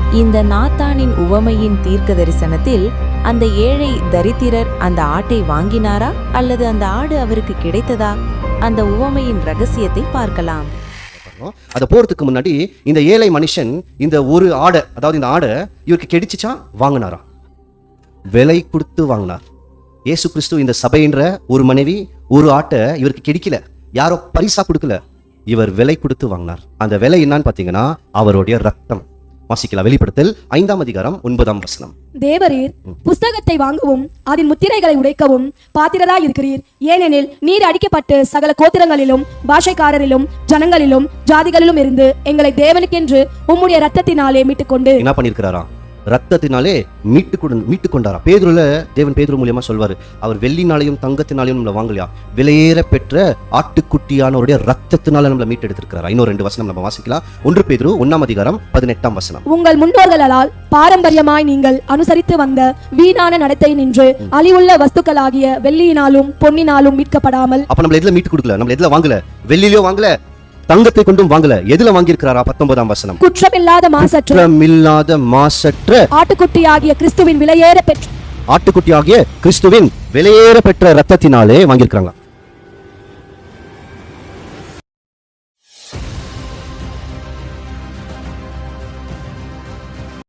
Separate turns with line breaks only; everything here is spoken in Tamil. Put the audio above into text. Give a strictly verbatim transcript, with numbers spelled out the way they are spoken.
இந்த நாத்தானின் உவமையின் தீர்க்க தரிசனத்தில் அந்த ஏழை தரித்திரர் அந்த ஆட்டை வாங்கினாரா அல்லது அந்த ஆடு அவருக்கு கிடைத்ததா? அந்த உவமையின் ரகசியத்தை பார்க்கலாம்.
அத போறதுக்கு முன்னாடி இந்த ஏழை மனுஷன் இந்த ஒரு ஆடை, அதாவது இந்த ஆடை இவருக்கு கிடைச்சிச்சா வாங்கினாரா? விலை கொடுத்து வாங்கினார். இயேசு கிறிஸ்து இந்த சபைன்ற ஒரு மனைவி ஒரு ஆட்டை இவருக்கு கிடைக்கல, யாரோ பரிசா கொடுக்கல, இவர் விலை கொடுத்து வாங்கினார். அந்த விலை என்னன்னு பாத்தீங்கன்னா அவருடைய ரத்தம். வாசிக்கலாம், வெளிப்படுத்தல் ஐந்தாம் அதிகாரம் ஒன்பதாம் வசனம்.
தேவரீர் புஸ்தகத்தை வாங்கவும் அதன் முத்திரைகளை உடைக்கவும் பாத்திரராய் இருக்கிறீர். ஏனெனில் நீர் அடிக்கப்பட்டு சகல கோத்திரங்களிலும் பாஷைக்காரரிலும் ஜனங்களிலும் ஜாதிகளிலும் இருந்து எங்களை தேவனுக்கென்று உம்முடைய ரத்தத்தினாலே மீட்டுக்கொண்டு.
என்ன பண்ணிருக்கிறாரா? ரத்தத்தினாலே மீட்டு கொண்டு மீட்டு கொண்டாரா. பேதுருல தேவன் பேதுரு மூலியமா சொல்வாரு, அவர் வெள்ளினாலையும் தங்கத்தினாலையும் நம்மள வாங்கலையா, விலையேற பெற்ற ஆட்டுக்குட்டியானவருடைய ரத்தத்தினால நம்மள மீட்டு எடுத்திருக்கிறாரா. இன்னொரு ரெண்டு வசனம் நம்ம வாசிக்கலாம். ஒன்று பேதுரு ஒன்னாம் அதிகாரம் பதினெட்டாம் வசனம்.
உங்கள் முன்னோர்களால் பாரம்பரியமாய் நீங்கள் அனுசரித்து வந்த வீணான நடத்தை நின்று அழிவுள்ள வஸ்துக்களாகிய வெள்ளியினாலும் பொன்னினாலும் மீட்கப்படாமல்.
அப்ப நம்மள எதுல மீட்டு கொடுக்கல, நம்மள எதுல வாங்கல, வெள்ளியிலோ வாங்கல, தங்கத்தை கொண்டும் வாங்கல, எதுல வாங்கியிருக்கிறாரா? பத்தொன்பதாம் வசனம்.
குற்றமில்லாத மாசற்ற
குற்றமில்லாத மாசற்ற
ஆட்டுக்குட்டியாகிய கிறிஸ்துவின் விலையேற பெற்ற
ஆட்டுக்குட்டியாகிய கிறிஸ்துவின் விலையேற பெற்ற ரத்தத்தினாலே வாங்கியிருக்காங்க.